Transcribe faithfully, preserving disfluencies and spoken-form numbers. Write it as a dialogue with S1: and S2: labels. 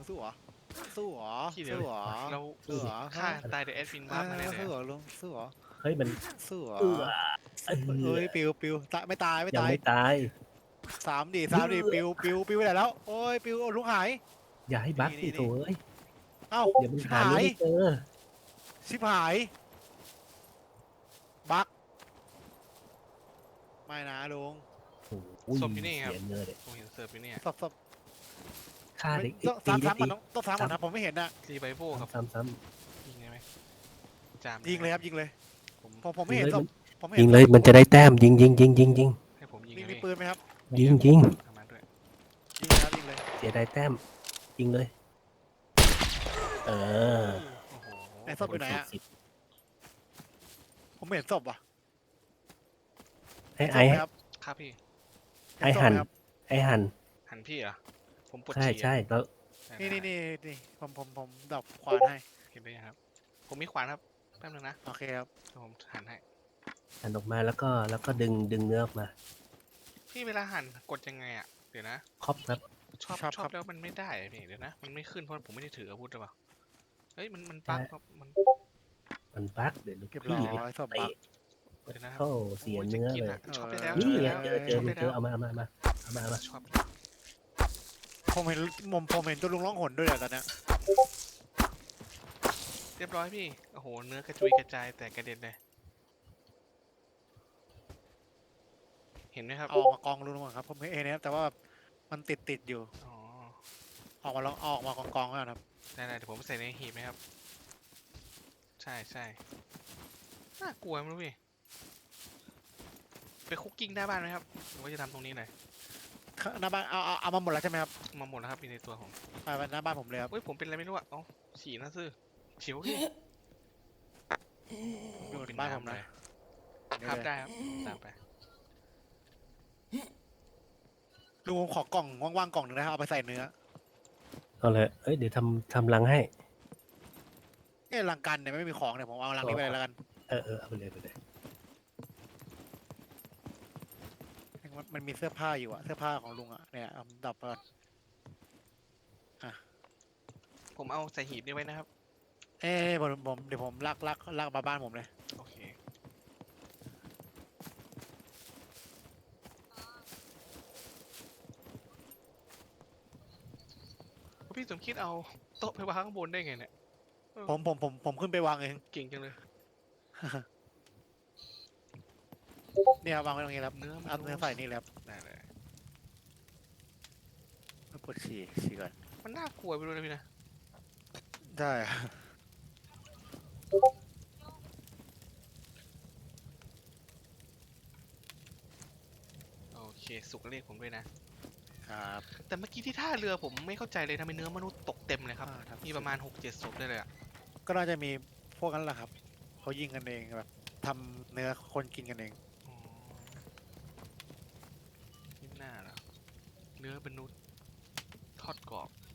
S1: สู้เหรอสู้เหรอ
S2: ที่เดียว
S1: สู้เหรอ
S2: เรา
S1: สู้เหรอ
S2: ฆ่าตายเดอะแอดมิน
S1: เอ
S2: วาร์ปมาแน่
S1: อ
S2: เลย
S1: สู้เหร
S2: อะ
S1: อลุงสู้เหรอ
S3: เฮ้ยมัน
S1: สู้เหรอ
S3: เอื้อเอ
S1: เอ้
S3: อย
S1: ปิวปิวตายไม่ตายไม่
S3: ยัง
S1: ตาย
S3: ไม่ตาย
S1: สามดิสามดิ
S3: เอื้อ
S1: ปิวปิวปิวไปไหนแล้วโอ้ยปิวลุงหาย
S3: อย่าให้บั๊ก
S1: นี่
S3: สิ
S1: นี่
S3: โถเอ้ย
S1: เอ้า
S3: เดี๋ยวมัน
S1: ชิบ
S3: หา
S1: หา
S3: เรื่อง
S1: ย
S3: ไม่เจอ
S1: ชิบหายบักไม่นะลุง
S3: โอ้ย
S2: ศพอยู่นี่ครับ
S3: เสียเนื้อเลย
S2: ผมเห็นเสิร์ฟอยู่เนี่ย
S1: ศพศพ
S3: ฆ่าเด็ก
S1: ต้อง
S3: ตี
S1: ซ้ำ
S3: ได้
S1: ซ้ำก่อนต้องต้องซ้ำก่อนนะผมไม่เห็นนะ
S2: รีไบโวกับ
S3: ซ้ำซ้ำ
S2: ยิงได้ไหมจาม
S1: ยิงเลยครับยิงเลย
S2: ผม
S1: ผมผมไม่เห็นศพผมไม่
S3: ยิ
S1: เห็
S3: ง
S1: น
S3: เลยมันจะได้แต้มยิงยิงยิงยิงยิง
S2: ให้ผมยิง
S1: มี
S2: ไง
S1: มี
S2: พี่
S1: ปืนไหมครับ
S3: ยิงยิง
S2: ทำมาด้วย
S1: ยิงเลยครับยิงเลย
S3: เสียดายแต้มยิงเลย เออ
S2: โอ้โห
S1: ไหนศพอยู่ไหนอะ
S3: สิบ
S1: ผมไม่เห็นศพว่ะ
S3: ให้
S1: ศ
S3: ไอ้
S1: พหมครับ
S2: ครับพี่
S1: เห็
S3: ไอ้
S1: ศพ
S3: หัน
S1: ไหมครับ
S3: ไอ้หัน
S2: หันพี่เหรอผมปวด
S3: ใช่
S2: ฉี่อะ
S3: ใช่แล้ว
S2: ได้
S1: นี่
S2: ได้
S1: นี่นี่นี่ผมผมผมดับขวานให้
S2: เห็นไหมครับ ผมมีขวานครับแป๊บนึงนะ
S1: โอเคครับ
S2: เดี๋ยวผมหันให้
S3: หันออกมาแล้วก็แล้วก็ดึงดึงเนื้อออกมา
S2: พี่เวลาหันกดยังไงอ่ะเดี๋ยวนะ
S3: ครอบครับ
S2: ชอบชอบแล้วมันไม่ได้อะพี่เดี๋ยวนะมันไม่ขึ้นเพราะผมไม่ได้ถืออาวุธหรือเปล่าเฮ้ยมันมันปักครับมัน
S3: มันบั๊กเดี๋ยวลูก
S1: เก็บร้อ
S3: พี่
S1: ยศพบัก
S2: เดี๋ยวนะครับ
S3: โอ้เสียเนื้อ
S2: โยจะกิ
S3: เลย
S2: ะชอบได้แล้ว
S3: นี่ไง
S2: ชอบ
S3: เจ
S2: ได้
S3: อเจ
S2: แล้
S3: อ
S2: วชอบได้
S3: เจ
S2: แล้
S3: อ
S2: ว
S3: เอามาเอามาเอามาเอามาเอามา
S2: ชอบ
S1: ผมเห็นผมผมเห็นตัวลุงร้องหนด้วยอะตอนเนี้ย
S2: เรียบร้อยพี่โอ้โหเนื้อกระจุยกระจายแต่กระเด็นเลยเห็นไหมครับ
S1: เอาออกมากองลุงก่อนครับผมเห็นนะครับแต่ว่ามันติดติดอยู่
S2: อ๋อ
S1: ออกมาลองเอาออกมากองกองๆแล้วนะครับ
S2: ได้ๆเดี๋ยวผมใส่ในหีบไหมครับ ใช่ใช่น่ากลัวมั้ยพี่ไปคุกกิ้งหน้าบ้านไหมครับหรือว่าจะทำตรงนี้เลย
S1: หน้าบ้านเอาเอาเอามาหมดแล้วใช่ไหมครับ
S2: มาหมดแล้วครับอยู่ในตัวผม
S1: ไปไปหน้าบ้านผมเลยครับ
S2: เฮ้ยผมเป็นอะไรไม่รู้อ่ะเอ้าฉี่นะซื่อฉิวพี่
S1: อยู่
S2: เป็
S1: บ้านผมนะ
S2: เลย
S1: เดี๋ยว
S2: ครับ
S1: เลย
S2: ได้ครับตามไป
S1: ลุงผมขอกล่องว่างๆกล่องหนึ่งนะครับเอาไปใส่เนื้อ
S3: เอาเลยเอ้ยเดี๋ยวทำทำรังให้
S1: เอ้ลังกันเนี่ยไม่มีของเนี่ยผมเอาลังนี้ไปเลยแล้วกัน
S3: เออเออเอาไปเลยไปเลย
S1: มันมันมีเสื้อผ้าอยู่อะเสื้อผ้าของลุงอะเนี่ยเอาดับก่อน
S2: ผมเอาใส่หีบนี้ไว้นะครับ
S1: เอ้ผมผมเดี๋ยวผมลากลากลากมาบ้านผมเลย
S2: โอเคพี่สมคิดเอาโต๊ะไปวางข้างบนได้ไงเนี่ย
S1: ผมผมผมผมขึ้นไปวางเอง
S2: เก่งจังเลย
S1: เนี่ย วางไว้ตรงนี้แล้ว
S2: เนื้อมัน
S1: เอาเนื้อใส่นี่แล้ว
S2: ได้เลย
S1: ปวดฉี่ฉี่ก่อน
S2: มันน่ากลัวไปด้วยนะพี่นะ
S1: ได้อะ
S2: โอเคสุกเรียกผมด้วยนะ
S1: ครับ
S2: แต่เมื่อกี้ที่ท่าเรือผมไม่เข้าใจเลยทำไมเนื้อมนุษย์ตกเต็มเลยครับ
S1: อ่าครับ
S2: มีประมาณหกเจ็ดศพได้เลยอะ
S1: ก็น่าจะมีพวกนั้นแหละครับเขายิงกันเองแบบทำเนื้อคนกินกันเอง
S2: อ๋อนี่น่าเหรอเนื้อมนุษย์ทอดกรอบ